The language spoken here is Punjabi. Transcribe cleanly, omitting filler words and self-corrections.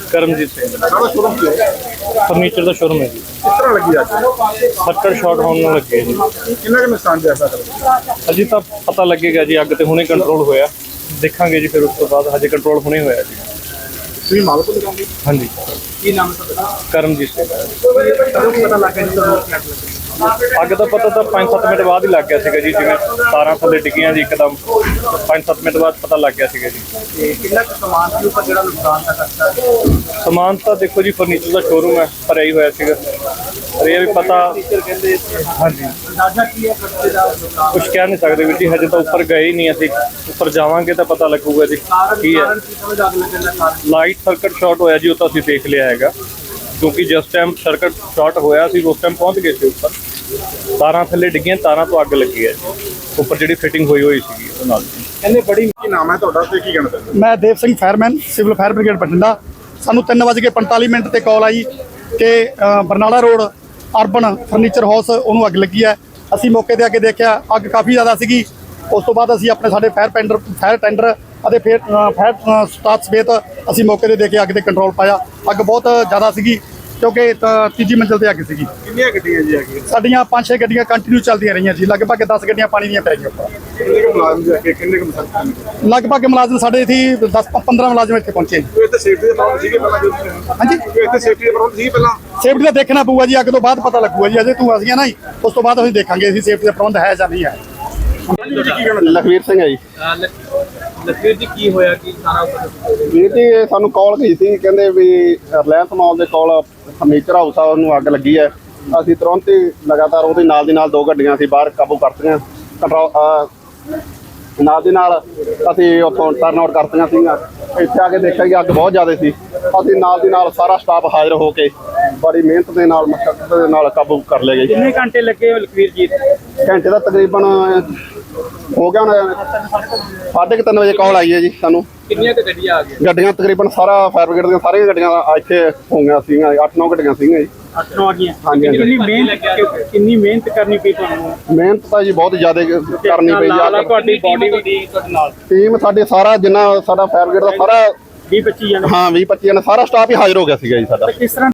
ਕਰਮਜੀਤ ਸਿੰਘ ਸ਼ੋਰੂਮ ਕੀ ਹੈ? ਫਰਨੀਚਰ ਦਾ ਸ਼ੋਰੂਮ ਹੈ ਜੀ। ਕਿਸ ਤਰ੍ਹਾਂ ਲੱਗੀ ਅੱਜ? ਫੱਟੜ ਸ਼ਾਰਟ ਹੋਣ ਨੂੰ ਲੱਗੇ ਜੀ। ਕਿੰਨਾ ਕੁ ਨੁਕਸਾਨ ਪਿਆ ਸਾਡਾ? ਅਜੇ ਤਾਂ ਪਤਾ ਲੱਗੇਗਾ ਜੀ, ਅੱਗ ਤੇ ਹੁਣੇ ਕੰਟਰੋਲ ਹੋਇਆ, ਦੇਖਾਂਗੇ ਜੀ ਫਿਰ ਉਸ ਤੋਂ ਬਾਅਦ। ਹਜੇ ਕੰਟਰੋਲ ਹੁਣੇ ਹੋਇਆ ਜੀ। ਤੁਸੀਂ ਮਾਲਕ ਤੋਂ ਦੁਕਾਨ ਦੀ? ਹਾਂਜੀ, ਕੀ ਨਾਮ ਹੈ ਤੁਹਾਡਾ? ਕਰਮਜੀਤ ਸਿੰਘ। ਕਦੋਂ ਪਤਾ ਲੱਗਾ ਜੀ ਤੁਹਾਨੂੰ ਅੱਗ ਲੱਗੀ? ਅੱਗ ਦਾ ਪਤਾ ਤਾਂ 5-7 ਮਿੰਟ ਬਾਅਦ ਹੀ ਲੱਗ ਗਿਆ ਸੀਗਾ ਜੀ, ਜਿਵੇਂ ਤਾਰਾਂ ਥੱਲੇ ਡਿੱਗੀਆਂ ਜੀ ਇੱਕਦਮ। 5-7 ਮਿੰਟ ਬਾਅਦ ਪਤਾ ਲੱਗ ਗਿਆ ਸੀਗਾ ਜੀ। ਤੇ ਕਿੰਨਾ ਕੁ ਸਮਾਨ ਸੀ ਉੱਪਰ ਜਿਹੜਾ ਨੁਕਸਾਨ ਦਾ ਕਰਤਾ? ਸਮਾਨ ਤਾਂ ਦੇਖੋ ਜੀ, ਫਰਨੀਚਰ ਦਾ ਸ਼ੋਰੂਮ ਹੈ, ਭਰਿਆ ਹੀ ਹੋਇਆ ਸੀਗਾ। ਪਰ ਇਹ ਵੀ ਪਤਾ, ਕਹਿੰਦੇ ਹਾਂਜੀ, ਅੰਦਾਜ਼ਾ ਕੀ ਹੈ ਖਰਚੇ ਦਾ ਨੁਕਸਾਨ? ਕੁਝ ਕਹਿ ਨਹੀਂ ਸਕਦੇ ਵੀਰ ਜੀ, ਹਜੇ ਤਾਂ ਉੱਪਰ ਗਏ ਹੀ ਨਹੀਂ ਅਸੀਂ। ਉੱਪਰ ਜਾਵਾਂਗੇ ਤਾਂ ਪਤਾ ਲੱਗੂਗਾ ਜੀ ਕੀ ਹੈ। ਕਾਰਨ ਕੀ ਸਮਝ ਅੱਗ ਲੱਗਣ ਦਾ ਕਾਰਨ? ਲਾਈਟ ਸਰਕਟ ਸ਼ਾਰਟ ਹੋਇਆ ਜੀ, ਉਹ ਤਾਂ ਅਸੀਂ ਦੇਖ ਲਿਆ ਹੈਗਾ, ਕਿਉਂਕਿ ਜਿਸ ਟਾਈਮ ਸਰਕਟ ਸ਼ਾਰਟ ਹੋਇਆ ਸੀ ਉਸ ਟਾਈਮ ਪਹੁੰਚ ਗਏ ਸੀ ਉੱਪਰ। ਤਾਰਾਂ ਥੱਲੇ ਡਿੱਗੀਆਂ, ਤਾਰਾਂ ਤੋਂ ਅੱਗ ਲੱਗੀ ਹੈ ਜੀ, ਉੱਪਰ ਜਿਹੜੀ ਫਿਟਿੰਗ ਹੋਈ ਸੀਗੀ ਉਹ ਨਾਲ। ਕਹਿੰਦੇ ਬੜੀ ਕੀ ਨਾਮ ਹੈ ਤੁਹਾਡਾ ਤੇ ਕੀ ਕਹਿਣਾ ਚਾਹੁੰਦੇ? ਮੈਂ Dev Singh fireman, civil fire brigade Bathinda. ਸਾਨੂੰ 3:45 ਤੇ ਕਾਲ ਆਈ ਕਿ Barnala road urban furniture house ਉਹਨੂੰ ਅੱਗ ਲੱਗੀ ਹੈ। ਅਸੀਂ ਮੌਕੇ ਤੇ ਆ ਕੇ ਦੇਖਿਆ, ਅੱਗ ਕਾਫੀ ਜ਼ਿਆਦਾ ਸੀਗੀ। ਉਸ ਤੋਂ ਬਾਅਦ ਅਸੀਂ ਆਪਣੇ ਸਾਡੇ ਫਾਇਰ ਟੈਂਡਰ ਅਤੇ ਫਿਰ ਫਾਇਰ ਸਟਾਫ ਸਮੇਤ ਅਸੀਂ ਮੌਕੇ ਤੇ ਦੇਖ ਕੇ ਅੱਗ ਤੇ ਕੰਟਰੋਲ ਪਾਇਆ। ਅੱਗ ਬਹੁਤ ਜ਼ਿਆਦਾ ਸੀਗੀ ਕਿਉਂਕਿ ਤੀਜੀ ਮੰਜ਼ਿਲ ਤੇ ਅੱਗ ਸੀਗੀ। ਕਿੰਨੀਆਂ ਗੱਡੀਆਂ ਜੀ ਅੱਗੇ? ਸਾਡੀਆਂ 5-6 ਗੱਡੀਆਂ ਕੰਟੀਨਿਊ ਚੱਲਦੀਆਂ ਰਹੀਆਂ ਜੀ। ਲਗਭਗ 10 ਗੱਡੀਆਂ ਪਾਣੀ ਦੀਆਂ ਪੈ ਗਈਆਂ ਉੱਪਰ। ਕਿੰਨੇ ਕੁ ਮੁਲਾਜ਼ਮ ਜੀ ਅੱਗੇ? ਕਿੰਨੇ ਕੁ ਮੁਲਾਜ਼ਮ? ਲਗਭਗ ਮੁਲਾਜ਼ਮ ਸਾਡੇ ਇੱਥੇ 10-15 ਮੁਲਾਜ਼ਮ ਇੱਥੇ ਪਹੁੰਚੇ। ਕੋਈ ਇੱਥੇ ਸੇਫਟੀ ਦੇ ਪ੍ਰਬੰਧ ਸੀਗੇ ਪਹਿਲਾਂ ਜਦੋਂ ਤੁਸੀਂ? ਹਾਂਜੀ, ਕੋਈ ਇੱਥੇ ਸੇਫਟੀ ਦੇ ਪ੍ਰਬੰਧ ਸੀ ਪਹਿਲਾਂ? ਸੇਫਟੀ ਦਾ ਦੇਖਣਾ ਪਊਗਾ ਜੀ, ਅੱਗ ਤੋਂ ਬਾਅਦ ਪਤਾ ਲੱਗੂਗਾ ਜੀ। ਅਜੇ ਤੂੰ ਅਸੀਂ ਨਾ ਜੀ, ਉਸ ਤੋਂ ਬਾਅਦ ਅਸੀਂ ਦੇਖਾਂਗੇ ਅਸੀਂ ਸੇਫਟੀ ਦਾ ਪ੍ਰਬੰਧ ਹੈ ਜਾਂ ਨਹੀਂ ਹੈ। ਲਖਵੀਰ ਸਿੰਘ ਹੈ ਜੀ। ਲਖਵੀਰ ਜੀ ਕੀ ਹੋਇਆ ਕਿ ਸਾਰਾ ਉੱਪਰ? ਵੀਰ ਜੀ ਇਹ ਸਾਨੂੰ ਕਾਲ ਗਈ ਸੀ, ਕਹਿੰਦੇ ਵੀ ਰਿਲਾਇੰਸ ਮਾਲ ਦੇ ਕੋਲ ਫਰਨੀਚਰ ਹਾਊਸ ਆ, ਉਹਨੂੰ ਅੱਗ ਲੱਗੀ ਹੈ। ਅਸੀਂ ਤੁਰੰਤ ਹੀ ਲਗਾਤਾਰ ਉਹਦੇ ਨਾਲ ਦੀ ਨਾਲ 2 ਗੱਡੀਆਂ ਅਸੀਂ ਬਾਹਰ ਕਾਬੂ ਕਰਤੀਆਂ। ਨਾਲ ਦੀ ਨਾਲ ਅਸੀਂ ਉੱਥੋਂ ਟਰਨ ਆਊਟ ਕਰਤੀਆਂ ਸੀਗੀਆਂ। ਇੱਥੇ ਆ ਕੇ ਦੇਖਿਆ ਕਿ ਅੱਗ ਬਹੁਤ ਜ਼ਿਆਦਾ ਸੀ। ਅਸੀਂ ਨਾਲ ਦੀ ਨਾਲ ਸਾਰਾ ਸਟਾਫ ਹਾਜ਼ਰ ਹੋ ਕੇ ਬੜੀ ਮਿਹਨਤ ਦੇ ਨਾਲ, ਮਸ਼ੱਕਤ ਦੇ ਨਾਲ ਕਾਬੂ ਕਰ ਲਏ ਗਏ। ਕਿੰਨੇ ਘੰਟੇ ਲੱਗੇ ਲਖਵੀਰ ਜੀ? ਘੰਟੇ ਦਾ ਤਕਰੀਬਨ ਹੋ ਗਿਆ ਹੁਣ। 3:30 ਵਜੇ ਕਾਲ ਆਈ ਹੈ ਜੀ ਸਾਨੂੰ। ਕਿੰਨੀਆਂ ਕੁ ਗੱਡੀਆਂ ਆ ਗਈਆਂ? ਗੱਡੀਆਂ ਤਕਰੀਬਨ ਸਾਰਾ ਫਾਇਰ ਬ੍ਰਿਗੇਡ ਦੀਆਂ ਸਾਰੀਆਂ ਗੱਡੀਆਂ ਇੱਥੇ ਹੋ ਗਈਆਂ ਸੀਗੀਆਂ। 8-9 ਗੱਡੀਆਂ ਸੀਗੀਆਂ ਜੀ। 8-9 ਆ ਗਈਆਂ। ਹਾਂਜੀ, ਹਾਂਜੀ। ਕਿੰਨੀ ਮਿਹਨਤ ਕਰਨੀ ਪਈ ਤੁਹਾਨੂੰ? ਮਿਹਨਤ ਤਾਂ ਜੀ ਬਹੁਤ ਜ਼ਿਆਦਾ ਕਰਨੀ ਪਈ ਨਾਲ ਆ। ਤੁਹਾਡੀ ਬਾਡੀ ਵੀ ਤੁਹਾਡੇ ਨਾਲ ਟੀਮ ਸਾਡੇ ਸਾਰਾ ਜਿੰਨਾ ਸਾਡਾ ਫਾਇਰ ਬ੍ਰਿਗੇਡ ਦਾ ਸਾਰਾ 20-25 ਜਣੇ? ਹਾਂ 20-25 ਜਣੇ ਸਾਰਾ ਸਟਾਫ ਹੀ ਹਾਜ਼ਰ ਹੋ ਗਿਆ ਸੀਗਾ ਜੀ ਸਾਡਾ। ਕਿਸ ਤਰ੍ਹਾਂ